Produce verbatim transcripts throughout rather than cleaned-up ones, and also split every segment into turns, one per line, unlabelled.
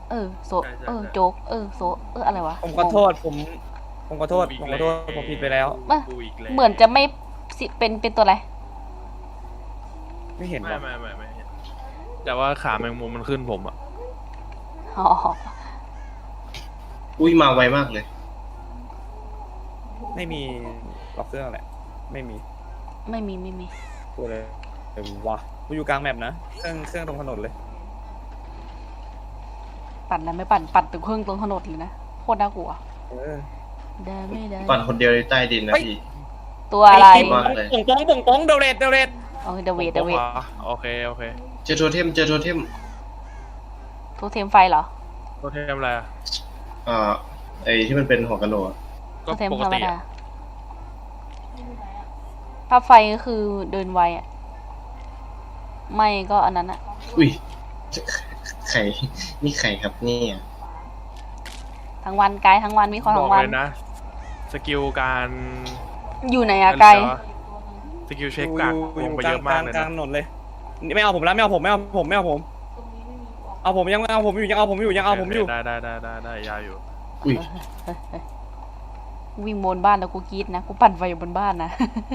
เออโซเออโจ๊กเออโซเอออะไรวะ
ผมขอโทษผมผมขอโทษผมขอโทษผมผิดไปแล้ว
เหมือนจะไม่เป็นเป็นตัวอะไร
ไม่เห็น
ไม่ไม่ไม่ไม่แต่ว่าขาแมงมุมมันขึ้นผมอ่ะ
อ๋อ
อุ้ยมาไวมากเลย
ไม่มีล็อกเครื่องแหละไม่มี
ไม่มีไม่มี
ตัวเลยเดี๋ยววะกูอยู่กลางแมปนะเครื่องเครื่องตรงถนนเลย
ปั่นอะไรไม่ปั่นปั่นตึกเครื่องตรงถนนเลยนะโคตรน่ากลัวได้ไม่ได้
ปั่นคนเดียวในใต้ดินนะพี่
ตัวอะไร
ป่งป้องป่งป้องเดเรตเดเรต
โอเคเดเวทเดเวท
โอเคโอเค
เจอโทเทมเจอโทเทม
โทเทมไฟเหรอ
โทเทมอะไรอ่ะ
อ่าไอที่มันเป็นหัวกะโหลก
โทเทมธรรมดาภาพไฟก็คือเดินไวอ่ะไม่ก็อันนั้นอ่ะ
อุ้ยไข่นี่ไข่ครับนี่
ทั้งวันไกด์ทั้งวันวิเคราะห์ทั้งวัน
เลยนะสกิลการ
อยู่ไหนอะไกด์
สกิลเช็คการลงไปเยอะมากเลยนะ
กลางถนนเลยไม่เอาผมแล้วไม่เอาผมไม่เอาผมไม่เอาผมเอาผมยังเอาผมอยู่ยังเอาผมอยู่ยังเอาผมอยู่
ได้ได้ได้ได้ได้ยาอยู่
อุ้ย
วิ่งบนบ้านแล้วกูกรี๊ดนะกูปั่นไฟอยู่บนบ้านนะ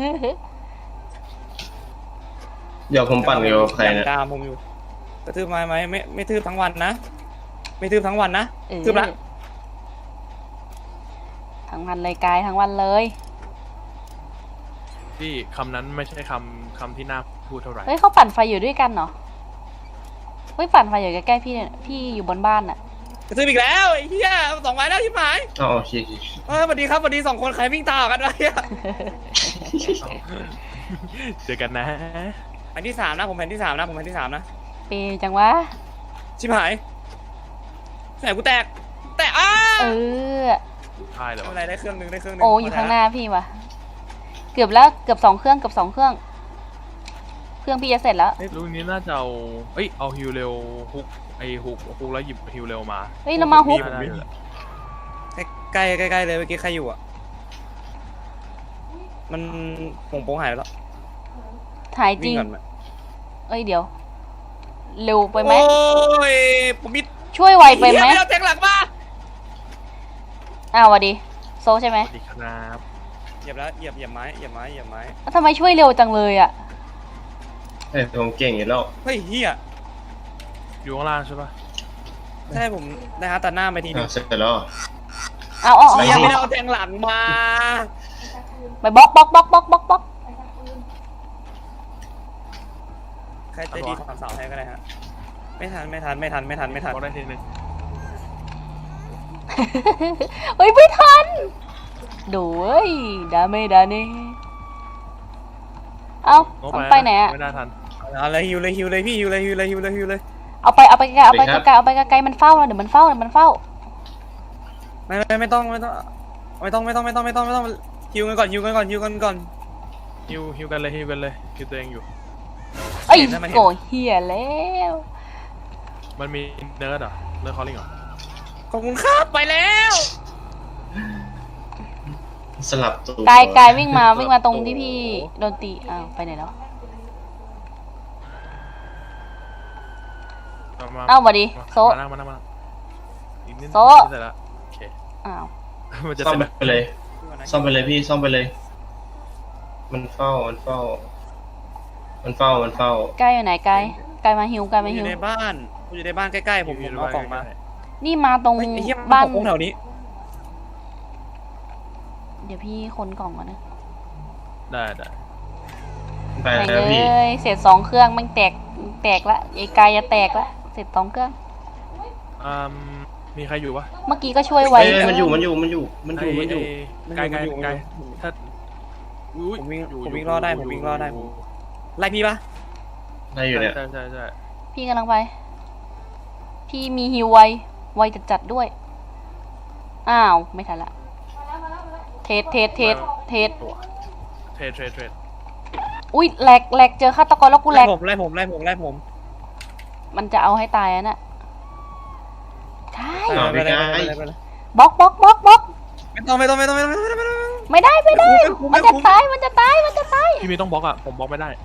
เดี๋ยวผมปั่นอยู่ใครนะ
ตามผมอยู่กระทืบไม้ไหมไม่ไม่ทืบทั้งวันนะไม่ทืบทั้งวันนะทืบละ
ทั้งวันเลยกายทั้งวันเลย
พี่คำนั้นไม่ใช่คำคำที่น่าพูดเท่าไหร่
เฮ้ยเขาปั่นไฟอยู่ด้วยกันเหรอเฮ้ยปั่นไฟอยู่ใกล้ๆพี่เนี่ยพี่อยู่บนบ้านน่ะ
กระทืบอีกแล้วไอ้เหี้ยสองไม้แล้วที่หมาย
อ๋อโอเค
เออสวัสดีครับสวัสดีสองคนใครวิ่งตามกันวะเนี่ย
เจอกันนะ
แผ่นที่สามนะผมแผ่นที่สามนะผมแผ่นที่สามนะ
เปจังวะ
ชิบหายแสงกูแตกแตกอ้า
เออ
ใช่เหรอ
อะไรได้เครื่องนึงได้เครื่องนึง
โอ้อยู่ข้างหน้าพี่วะเกือบแล้วเกือบสองเครื่องเกือบสองเครื่องเครื่องพี่จะเสร็จแล้ว
ลูกนี้น่าจะเอาเอ้ยเอาฮิวเร็วฮุกไอฮุกฮุกแล้วหยิบฮิวเร็วมา
เฮ้ยเรามาฮุก
ใกล้ใกล้ใกล้เลยเมื่อกี้ใครอยู่อ่ะมันผงโป้งหายแล้ว
หายจริงเอ้ยเดี๋ยวเร็วไปไหม
โอ้ยผมมิด
ช่วยไวไปไหม
เราแทงหลังมา
อ้าวสวัสดีโซใช่ไหม
สวัสดีครับ
เหยียบแล้วเหยียบเหยียบไม้เหยียบไม้เหยียบไม้
แล้วทำไมช่วยเร็วจังเลยอ่ะ
เฮ้ยผมเก่งอยู่แล้ว
เฮ้ยเฮีย
อยู่ข้างล่างใช่ปะ
ใช่ผมได้ฮะตัดหน้าไปทีนึง
เสร็จแล้ว
เอาเอาเอา
ไม่ได้เอาแทงหลังมา
ไปบล็อกบล็อกบล็อกบล็อกบล็อกบล็อก
ใครจะดีสามสาวให้ก็ได้ฮะไม่ทันไม่ทันไม่ทันไม่ทันไม่ทัน
ได้ทีนึง
เฮ้ยไม่ทันดูเอ้ยดาเมดาเน่เอาไปไหนอะ
ไม่ได้ทัน
เอาเลยฮิวเลยฮิวเลยพี่ฮิวเลยฮิวเลยฮิวเลยฮิวเลย
เอาไปเอาไปไกลเอาไปไกลเอาไปไกลมันเฝ้าเดี๋ยวมันเฝ้าเดี๋ยวมันเฝ้า
ไม่ไม่ไม่ต้องไม่ต้องไม่ต้องไม่ต้องไม่ต้องไม่ต้องไม่ต้องฮิวกันก่อนฮิวกันก่อนฮิวกันก่อน
ฮิวฮิวกันเลยฮิวกันเลยฮิวตัวเองอยู่
เอ้ยโกเฮียแล้ว
มันมีเนิร์ดเหรอเนิร์ดคอลลิ่งเหรอ
ขอบคุณครับไปแล้ว
สลับตัว
กายกายวิ่งมาวิ่งมาตรงที่พี่โดนตีอ้าวไปไหนแล้วเอ้ามาดิโซโซ
เสร็จแล้วโอเค
อ้าว
มันจะซ่อมไปเลยซ่อมไปเลยพี่ซ่อมไปเลยมันเฝ้ามันเฝ้ามันเฝ้ามันเฝ้าก
ายอยู่ไหนกายกายมาฮิวกายมาฮิว
อยู่ในบ้านอยู่ในบ้านใกล้ๆผมผมเอาของมา
นี่มาตรงบ้าน
แถวนี้
เดี๋ยวพี่คนกล่องก่อนนะ
ได้ได้
ไปแล้วพี่
เสร็จสองเครื่องมันแตกแตกละไอ้กายจะแตกละเสร็จสองเครื่อง
อ่ามีใครอยู่วะ
เมื่อกี้ก็ช่วยไว้
มันอยู่มันอยู่มันอยู่มันอยู่มันอยู่
ไกลไกลไกลถ้า
ผมวิ่งผมวิ่งรอดได้ผมวิ่งรอดได้ผมไล่พี่ปะ
ไล่อยู่เนี่ย
ใช่ใช่ใช่
พี่กำลังไปพี่มีฮิวไวไวจัดจัดด้วยอ้าวไม่ทันละเทสเทสเทสเทส
เทสเทสเทส
อุ้ยแหลกแหลกเจอฆาตกรแล้วกูแหลก
ผมไล่ผมไล่ผมไล่ผม
มันจะเอาให้ตายอ่ะน่ะใช่
บล็
อกบล็อกบล็อกบล็อก
ไม่ต้องไม่ต้องไม่ต้องไม่ต้อง
ไม่ได้ไม่ได้มันจะตายมันจะตายมันจะตาย
พี่มีต้องบล็อกอ่ะผมบล็อกไม่ได้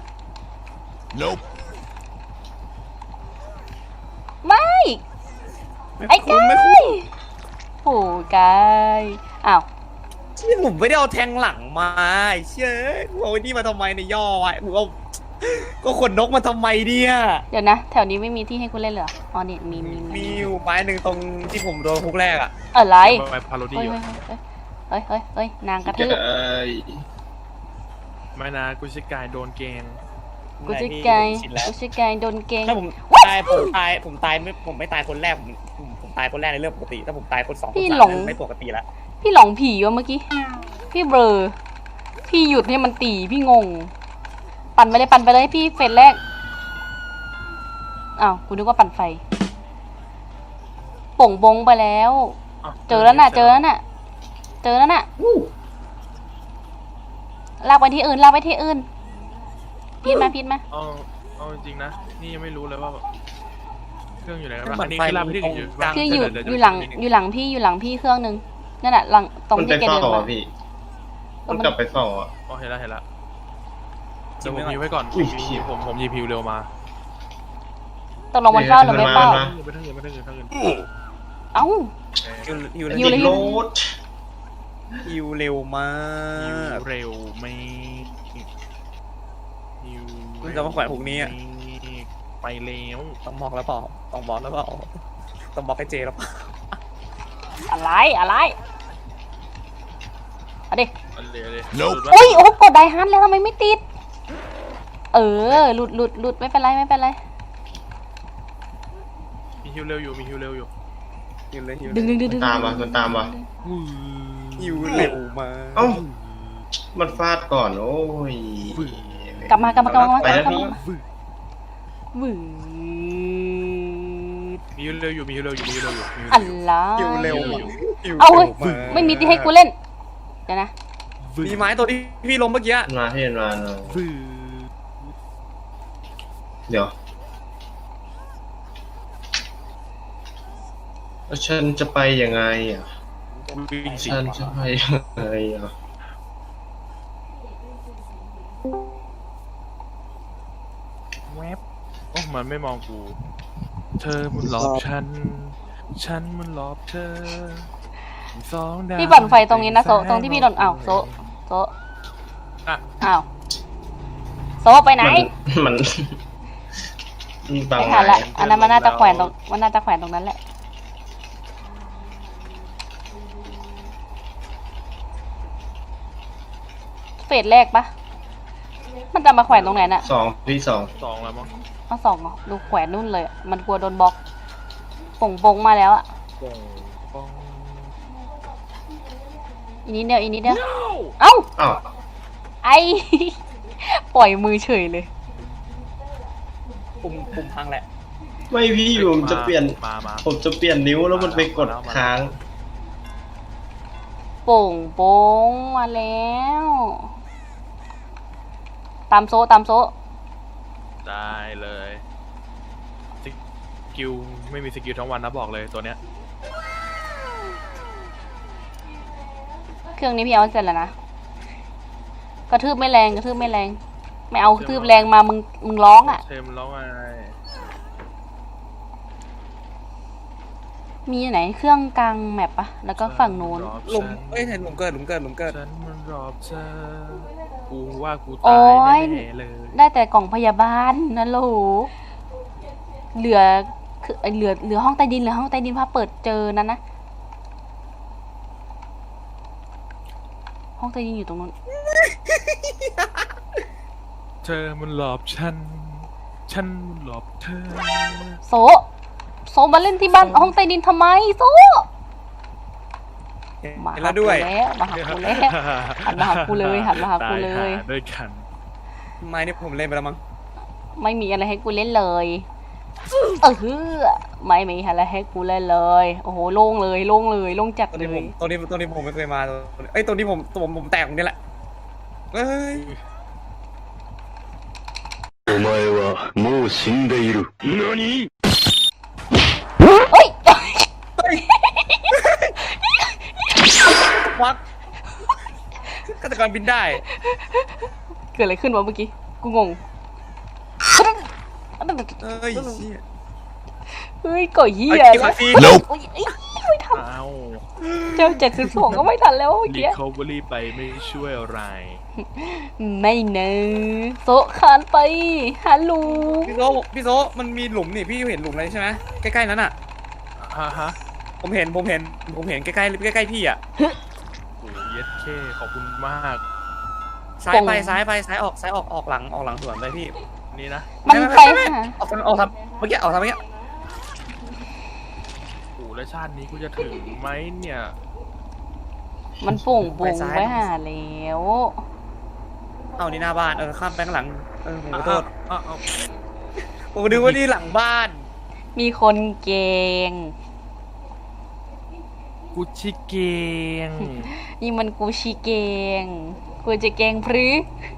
Nope ไม่ไอ้
คุ้
กาม
ไม่คุ้ม
ยโอ้กายอ้าว
เชี่ยผมไม่ได้เอาแทงหลังมาไอ้เชี่ยกูเอาไอ้นี่มาทำไมในยย่อไว้กูเอาก็ขนนกมาทำไมเนี่ย
เดี๋ยวนะ แถวนี้ไม่มีที่ให้กูเล่นเลยเหรออ๋อนี่มีมี
มีอยู่ไม้หนึ่งตรงที่ผมโดนคุกแรกอ่ะ
อะไร
ไปพาโรดี้
เฮ้ย
อยู่
เฮ้ยเฮ้ยเฮ้ยเฮ้ยนางกระทืบ
เอ้ย
ไม่นะกูชิกายโดนเกง
กูจะไกลกูจะไกลโดนเกง
ถ้าผมตายผมตายผมตายไม่ผมไม่ตายคนแรกผมผมผมตายคนแรกในเรื่องปกติ ถ้าผมตายคนสองคน
พี่
สาม
หลง
ไม่ปกติละ
พี่หลงผีวะเมื่อกี้ พี่เบลอ พี่หยุดให้มันตีพี่งง ปั่นไปเลยปั่นไปเลยพี่เฟสแรก อ้าวกูนึกว่าปั่นไฟ ป่งบงไปแล้ว
อ้าว
เจอแล้วน่ะ เจอแล้วน่ะ เจอแล้วน่ะลากไปที่อื่นลากไปที่อื่น พีดมาพีดมา
เอาเอาจริงๆนะ นี่ยังไม่รู้เลยว่าเครื่องอยู่ไหนกันบ้างอันนี้คือลาไปที่อื่นอยู่บ้าง
คืออยู่
เดี๋ว
อ
เดี๋ว
ยู่หลัง
เดี๋ว
อยู่หลังพี่อยู่หลังพี่เครื่องหนึงนั่นแหละหลังตรง
มันไป
ที่แก
เฝ้า
เดิน
อ่ะ
มา
พี่ มันกลับไปเฝ้าอ่ะ
อ๋อเห็นแล้วเห็นแล้วเดี๋ยวผมยิวไว้ก่อน
อุ้ย
ผมผมยิวพิวเร็วมา
ตกลงมันเฝ้าหรือไม่เฝ้า
มา
ไปทั้งอื่นไปทั้งอื่นไปทั้งอื่น
เอ้า
ฮิวฮิว
ฮิวเลย
ติดโรด
ฮิวเร็วมาก
เร็วไม่ฮิว
คุณจะมาแขวนพวกนี้อะ
ไปเร็ว
ต้องบอกแล้วเปล่าต้องบอกแล้วเปล่าต้องบอกให้เจแล้วเปล่า
อะไรอะไรเอาดิ
อันเร็วเลย
โอ้ยโอ้กดไดฮันแล้วทำไมไม่ติด เออหลุดหลุดหลุดไม่เป็นไรไม่เป็นไร
มีฮิวเร็วอยู่มีฮิวเร็วอยู่
ฮิวเลยฮิว
ดึงดึงดึงดึง
ตามมามันตามมา
ฮิวเร็วมาก
เอ้า มันฟาดก่อน โอ้ย
กลับมากลับมากลับมา
ไปแล้ว
กลับ
พี่
มาวืด
มีฮิวเร็วอยู่มีฮิวเร็วอยู่มีฮิวเร็วอยู่มีฮิว
อั
เร็
น
วอยู่
ละ
ฮิวเร็วฮิว
เอาเว้ย
ร็วาก
ไม่มีที่ให้กูเล่น เดี๋ยวนะ
มีไม้ตัวที่พี่ล้มเมื่อกี้
มันมาพี่มันมาเนอะ
วืด
เดี๋ยวแล้วฉันจะไปยังไงอ่ะ
วิ่งสิ
ฉันจะไปยังไงอ่ะ
แวบโอ้มันไม่มองกู เธอมันหลอกฉัน ฉันมันหลอกเธอสองดาว
พี่ปั่นไฟตรงนี้นะโซะตรงที่พี่โดนอ้าวโซะโซะ
อ่ะ
อ้าวโซะไปไหน
มัน มันบัง
ไม่ทันละ อันนั้นมันน่าจะแขวนตรงมันน่าจะแขวนตรงนั้นแหละ เฟสแรกปะมันจะมาแขวนตรงไหนน่ะ
สองพี่สอง
สองแล้วมั้ง
เอาสองเหรอดูแขวนนู่นเลยอะมันกลัวโดนบล็อกป่งปงมาแล้วอะ
ป่งป่ง
อีกนิดเดียวอีกนิดเดียวเอ้า
อ้าว
ไอ ปล่อยมือเฉยเลย
ปุ่มปุ่มพังแหละ
ไม่พี่ผมจะเปลี่ยน
มามา
ผมจะเปลี่ยนนิ้วแล้วมันไปกดค้าง
โป่งโป้งมาแล้ว ตามโซะตามโซะ
ได้เลยสกิลไม่มีสกิลทั้งวันนะบอกเลยตัวเนี้ย
เครื่องนี้พี่เอาเสร็จแล้วนะ กระทืบไม่แรงกระทืบไม่แรง ไม่เอากระทืบแรงมามึงมึงร้องอ่ะ
เทมร้องไง
มีไหนเครื่องกลางแมปปะแล้วก็ฝั่งโน้น
หลุมเอ้ยเห็นหลุมเกิดหลุมเกิดหลุมเกิด
ฉันมันรอบเธอกูว่ากู
โอ๊
ตาย
ย
แน่ๆเลย
ได้แต่กล่องพยาบาลนะโหลเหลือคือเอ้ยเหลือเหลือห้องใต้ดินเหลือห้องใต้ดินพาเปิดเจอนั้นนะ ห้องใต้ดินอยู่ตรงนู้น
เธอมันหลอกฉัน ฉันมันหลอกเธอ
โซะโซะมาเล่นที่บ้านห้องใต้ดินทำไมโซะ
เห็น
มาหา
แล้ว
กู
ด้วย
แล้วมาหากูแล้วหันมาหากูเลยหันมาหากูเลย
ตาหด้วยกัน
ไม้นี่ผมเล่นไปแล้วมั้ง
ไม่มีอะไรให้กูเล่นเลยเออฮือไม่มีอะไรให้กูเล่นเลย โอ้โหโล่งเลยโล่งเลยโล่งจัด
ตัว
เล
นี้ผม
ย
ตัวนี้ตัวนี้ผมไม่เคยมาเอ้ยตัวนี้ผมตัวผมผมแตกตรงนี้แหละเอ้ย
お前はもう死んでいる。何？
เอ้ย
วักฆาตกรบินได้
เกิดอะไรขึ้นวะเมื่อกี้กูงง
เอ้ยเชี่ย
เฮ้ยก่อยเหี้ย
ไอ้
นะ
ที
Nope
โอ้ยเอ้ยไม่ทัน
อ้าว
เจ้าเจ็ดสิบสองก็ไม่ทันแล้วเมื่อ
รี
กี้
คอเวอรี่ไปไม่ช่วยอะไร
ไม่เนอะโซะคานไปฮัลโหล
พี่โซพี่โซมันมีหลุมนี่พี่เห็นหลุมอะไรใช่ไหมใกล้ๆนั้นอ่ะ
ฮะฮะ
ผมเห็นผมเห็นผมเห็นใกล้ๆใกล้ๆพี่อ่ะ
โอ้เย็ดเคขอบคุณมาก
ซ้ายไปซ้ายไปซ้ายออกซ้ายออกออกหลังออกหลังสวนไปพี่
นี่นะ
มันไปหา
ออกทางออกทางเมื่อกี้ออกทางเมื่อกี้
โอ้แล้วชาตินี้กูจะถึงไหมเนี่ย
มันโป่งโป่งไปหาแล้ว
เอานี่หน้าบ้านเออข้ามไปข้างหลังเออผมขอโทษ
อ่ะอ่ะ
ผมนึกว่านี่หลังบ้าน
มีคนเกง
กูชิเกง
นี่มันกูชีเกงกูจะเกงพรือ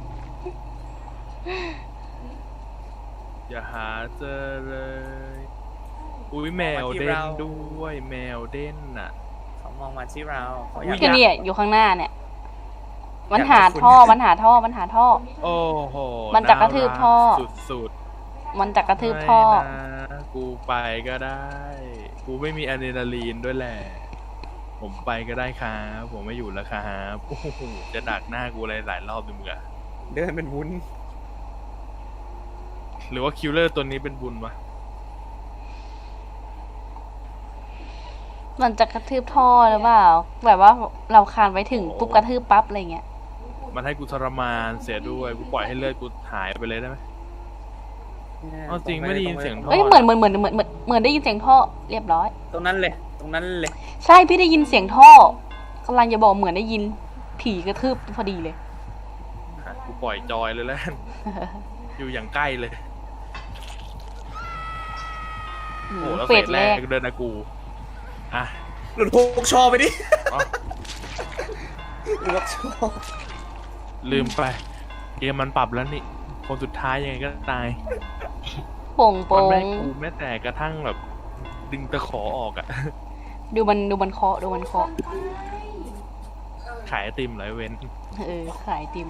อย่าหาเจอเลย อุ้ยแมวเด่นด้วยแมวเด่นน่ะ
เขามองมาที่เราเขาอ
อุ๊
ยาก
ย
ก็เนี่ยอยู่ข้างหน้าเนี่ย มัน
อยาก
หา
จะคุ้น
ท่อมันหาท่อมันหาท่อ
โอ้โห
มันจะกระทืบท่อ
สุด
มันจะกระ
ๆ
ทืบท่อ
ไม่นะกูไปก็ได้ กูไม่มีอะดรีนาลีนด้วยแหละ ผมไปก็ได้ครับผมไม่อยู่แล้วครับโอ้โหจะดักหน้ากูอะไรหลายรอบดูมึงอะ
เดินเป็นวุ้น
หรือว่าคิลเลอร์ตัวนี้เป็นบุญวะ
มันจะกระทืบท่อหรือเปล่า แบบว่าเราคานไปถึงปุ๊บกระทืบปั๊บอะไรเงี้ย
มันให้กูทรมานเสียด้วย กูปล่อยให้เลือดกูหายไปเลยได้ไหม เอาจริงไม่ได้ยินเสียงท่
เอ้ยเหมือนเหมือนเหมือนเหมือนเหมือนเหมือนได้ยินเสียงท่อเรียบร้อย
ตรงนั้นเลย ตรงนั้นเลย
ใช่พี่ได้ยินเสียงท่อกำลังจะบอกเหมือนได้ยินผีกระทืบพอดีเลย
อ่ะกูปล่อยจอยเลยแล้วกัน อยู่อย่างใกล้เลย โอ้โหแล้ว
เฟ
เฟ
ส
ส
แร
แร
ก
กเดินนะกู อ่ะ
หลุดพกชอไปดิ
อ๋อ
หลุดพกชอ
ลืมไปเกมมันปรับแล้วนี่ คนสุดท้ายยังไงก็ตาย
โป่ง
มัน
โป่
ไม่
ง
ให้กูแม้แต่กระทั่งแบบ ดึงตะขอออกอะ
ดูมันดูมันเคาะดูมันเคาะ
ขายไอติมเหรอไอเว้น
เออขายไอติม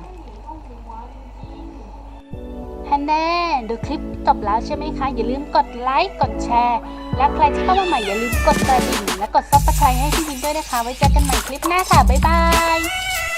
ฮันแน่ดูคลิปจบแล้วใช่ไหมคะ อย่าลืมกดไลค์กดแชร์ และใครที่เข้ามาใหม่อย่าลืมกดกระดิ่งและกดซับสไครต์ให้พี่วินด้วยนะคะ ไว้เจอกันใหม่คลิปหน้าค่ะ บ๊ายบาย